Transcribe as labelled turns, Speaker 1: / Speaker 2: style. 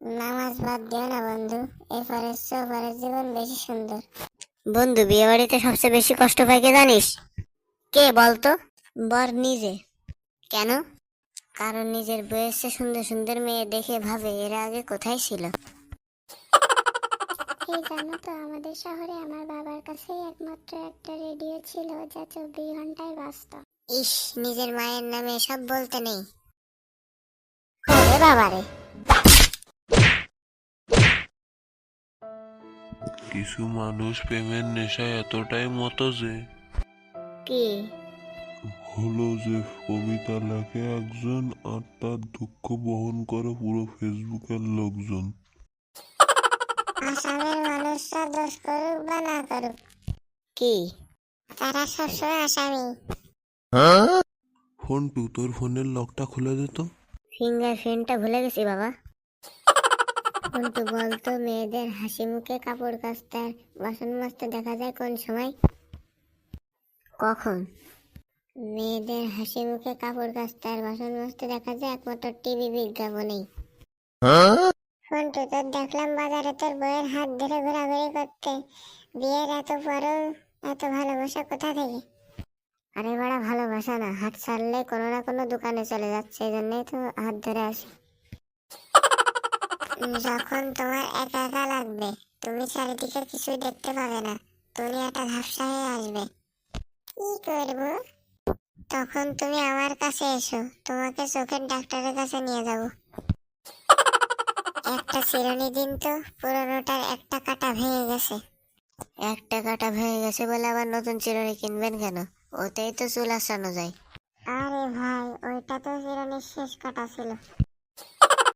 Speaker 1: নামাজ বাদ দিও না বন্ধু, এই ফরের চেয়ে পরের জীবন বেশি সুন্দর। বন্ধু, বিয়ে বাড়িতে সবচেয়ে বেশি কষ্ট পায় কে জানিস? কে বলতো? বর নিজে। কেন? কারণ নিজের বয়সে সুন্দর সুন্দর মেয়ে দেখে ভাবে এরা আগে কোথায় ছিল। এই জানো তো, আমাদের শহরে আমার বাবার কাছেই একমাত্র একটা রেডিও ছিল যা 24 ঘন্টায় বাজতো। ইস, নিজের মায়ের নামে সব বলতে নেই। ওরে বাবারে।
Speaker 2: কিছু মানুষ প্রেমের নেশায় এতটাই মতো যে
Speaker 1: কি?
Speaker 2: হলো যে কবিতা লেখে একজন আর তার দুঃখ বহন করে পুরো ফেসবুকের লোকজন।
Speaker 1: আসামের মানুষরা দোষ করুক বা না করুক, কি তারা সবসময় আসামি।
Speaker 2: ফোনটু, তোর ফোনের লকটা খুলে দে তো।
Speaker 1: ফিঙ্গারপ্রিন্টটা ভুলে গেছি বাবা। কিন্তু বলতো, মেয়েদের হাসি মুখে কাপড় কাচতে আর বাসন মাজতে দেখা যায় কোন সময়? কখন? মেয়েদের হাসি মুখে কাপড় কাচতে আর বাসন মাজতে দেখা যায় একমাত্র টিভি বিজ্ঞাপনেই। ফোনটু, তোর দেখলাম বাজারে তোর বইয়ের হাত ধরে ঘোরাঘুরি করতে। বিয়ের এত পরও এত ভালোবাসা কোথা থেকে? আরে বড়া, ভালোবাসা না, হাত ছাড়লে কোনো না কোনো দোকানে চলে যাচ্ছে, এই জন্যই তো হাত ধরে আসি। যখন তোমার একা একা লাগবে, তুমি চারিদিকে কিছুই দেখতে পাবে না, দুনিয়াটা ঝাপসা হয়ে আসবে, কি করব? তখন তুমি আমার কাছে এসো, তোমাকে চোখের ডাক্তারের কাছে নিয়ে যাব। একটা চিরুনি দিন তো, পুরোনোটার একটা কাঁটা ভেঙে গেছে। একটা কাঁটা ভেঙে গেছে বলে আবার নতুন চিরুনি কিনবেন কেন? ওতেই তো চুল আসানো যায়। আরে ভাই, ওইটা তো চিরুনির শেষ কাঁটা ছিল।